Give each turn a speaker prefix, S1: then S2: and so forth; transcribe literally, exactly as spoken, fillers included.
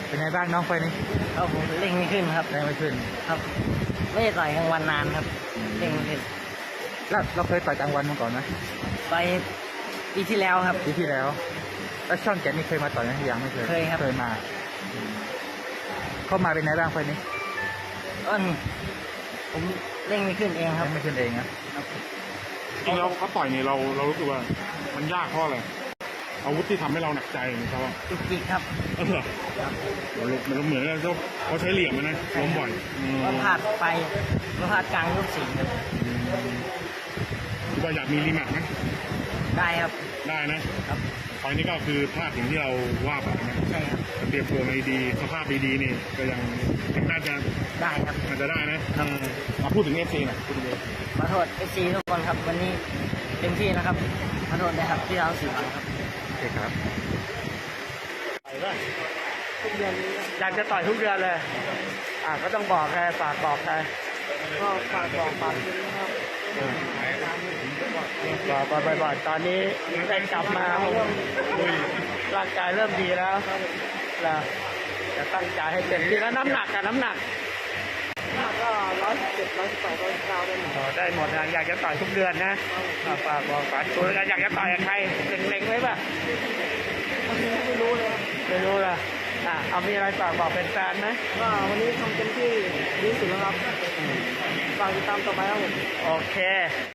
S1: เป็นไงบ้างน้องไฟนี้
S2: ครับผมเร่งไม่ขึ้นครับ
S1: แรงไม่ขึ้น
S2: ครับไม่ได้ต่อยกลางวันนานครับเร่งไม่ขึ้น
S1: แล้วเราเคยต่อยกลางวันมาก่อนไหม
S2: ไปปีที่แล้วครับ
S1: ปีที่แล้วแล้วช่องแกนี่เคยมาต่อยไหมยังไม่เคย
S2: เคยครับ
S1: เคยมาเข้ามาเป็นไงบ้างไฟนี้
S2: ต้นผมเร่งไม่ขึ้นเองครับ
S1: ไม่ขึ้นเองนะ
S3: จริงแล้วเขาต่อยเนี่ยเราเรารู้สึกว่ามันยากเพราะอะไรอาวุธที่ทำให้เราหนักใจนี่เขาว่า
S2: จุกจิกครับ
S3: เออมันเหมือนกันเขาเขาใช้เหลี่ยมนะล้มบ่อย
S2: ก็พลาดไปก็พลาดกลางยกสี่ครับ
S3: คิดว่าอยากมีรีแมตช์ไหม
S2: ได้ครับ
S3: ได้นะครับตอนนี้ก็คือพลาดถึงที่เราว่าไปนะ
S2: ใช่ครับ
S3: เตรียมตัวมาดีสภาพดีๆนี่ก็ยังน่าจะ
S2: ได้ครับ
S3: มันจะได้นะมาพูดถึงเอฟซีหน่อยพูดถึง
S2: ขอโทษเอฟซีทุกคนครับวันนี้เต็มที่นะครับขอโทษนะครับที่เราสื่อครับ
S1: โอเคครับ
S2: ทุกเดือน
S1: อยากจะต่อยทุกเดือนเลยอ่าก็ต้องบอกใครฝากบอกใคร
S2: ก็ฝากบอกฝากนะครับ
S1: บอกบ่อยๆตอนนี้ได้กลับมาร่างกายเริ่มดีแล้วเราจะตั้งใจให้เต็มที่แล้วน้ำหนักกับน้ำหนัก
S2: ก็ร้อยเจ็ดร้อยแปดร้อยเก้าได้หมด
S1: ได้หมดนะอยากจะต่อยทุกเดือนนะฝากบอกฝากตัวกันอยากจะต่อยกับใครเล็งๆไว้ป่ะ
S2: ไม่รู้เลย
S1: ไม่รู้ล่ะอ่ะเอามีอะไรฝากบอกเป็นแฟนไหม
S2: ว่าวันนี้ทำเต็มที่ดีสุดแล้วครับฝากติดตามต่อไปครับผม
S1: โอเค